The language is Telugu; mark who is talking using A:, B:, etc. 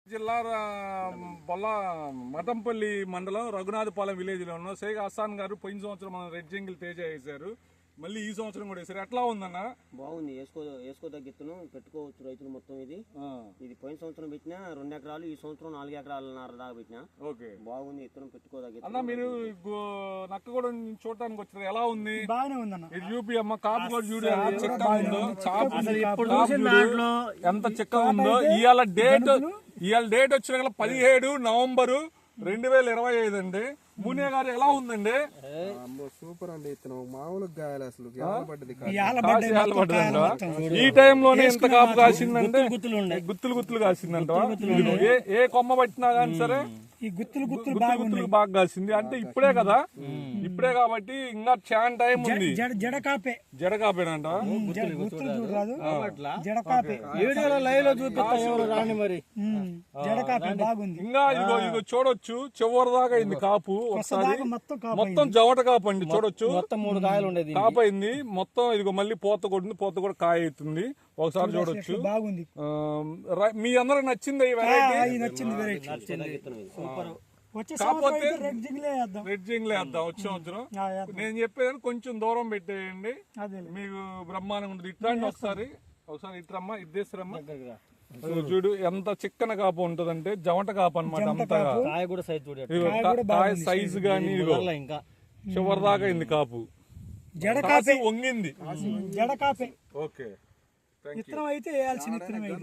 A: జిల్లా మఠంపల్లి మండలం రఘునాథపాలెం విలేజ్ లో ఉన్న షేక్ హసాన్ గారు పోయిన సంవత్సరం మన రెడ్ జంగిల్ తేజ వేశారు. మళ్ళీ ఈ సంవత్సరం కూడా వేశారు. ఎట్లా ఉందన్న?
B: బాగుంది. వేసుకోదగ్గ ఇత్తనం పెట్టుకోవచ్చు రైతులు మొత్తం. ఇది పోయిన సంవత్సరం పెట్టినా 2 ఎకరాలు, ఈ సంవత్సరం 4 ఎకరాలన్నర దాకా పెట్టినా. ఓకే, బాగుంది. ఇత్తనం పెట్టుకోదగ్గ.
A: అన్న మీరు నక్క కూడా చూడటానికి వచ్చారు, ఎలా ఉంది?
C: బాగానే ఉందన్న.
A: ఇది చూపి అమ్మ కాపు కూడా చూడు చిక్కగా ఉందో, ఎంత చిక్కగా ఉందో. ఇవాళ డేట్ వచ్చిన 17 నవంబరు 2025 అండి. మునియా గారు ఎలా ఉందండి?
D: సూపర్ అండి. ఇతను మామూలుగా గాయాలి అసలు.
A: ఈ టైంలోనే ఎంత కాపు కాసిందంటే గుత్తులు కాసిందంట. ఏ కొమ్మ పట్టినా గానీ సరే
C: ఈ గుత్తులు
A: బాగా కాసింది. అంటే ఇప్పుడే కదా, ఇప్పుడే కాబట్టి ఇంకా చాలా టైం ఉంది. జడకాపేనంట. ఇంకా ఇదిగో చూడొచ్చు, చివరి దాకా అయింది కాపు. ఒకసారి మొత్తం జవట కాపు అండి, చూడొచ్చు.
B: మొత్తం 3 కాయలు ఉండేది,
A: కాపు అయింది మొత్తం. ఇదిగో మళ్ళీ పూత కొట్టింది, పూత కూడా కాయ అవుతుంది. ఒకసారి చూడొచ్చు.
C: బాగుంది.
A: మీ అందరికి నచ్చింది ఈ వెరైటీ?
C: కాకపోతే రెడ్
A: జింగ్లే వేద్దాం వచ్చే సంవత్సరం. నేను చెప్పేదాన్ని కొంచెం దూరం పెట్టేయండి, మీకు బ్రహ్మాండంగా ఉంటుంది. ఇట్లాంటి ఒకసారి ఇట్రమ్మా, ఇద్దేశ్వరమ్మా. చూడు ఎంత చిక్కన కాపు ఉంటదంటే, జవట కాపు అనమాట. అంతగా కాయ సైజు గానీ ఇంకా చివరి దాకా అయింది కాపు.
C: జడకాపే
A: వంగింది.
C: జడకాపే.
A: ఓకే,
C: ఇత్తనం అయితే వేయాల్సిన ఇత్తనం.